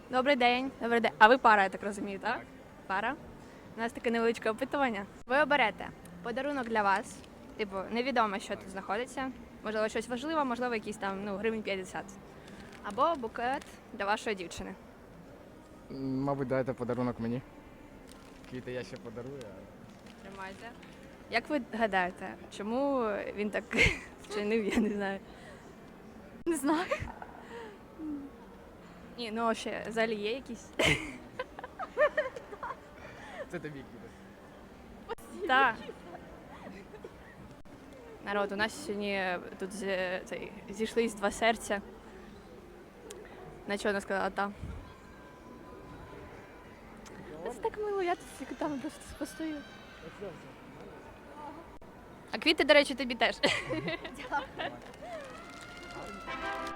Добрий день. Добрий день. А ви пара, я так розумію, так? Пара. У нас таке невеличке опитування. Ви оберете подарунок для вас. Типу, невідомо, що тут знаходиться. Можливо, щось важливе, можливо, якісь там, гривень 50. Або букет для вашої дівчини. Мабуть, дайте подарунок мені. Квіти я ще подарую. Тримайте. Як ви гадаєте, чому він так вчинив, я не знаю. Не знаю. Ні, ну ще взагалі є якісь. Це тобі квіти. Так. Народ, у нас сьогодні тут зійшлись два серця. На чого вона сказала та? Це так мило, я тут там просто постою. А квіти, до речі, тобі теж.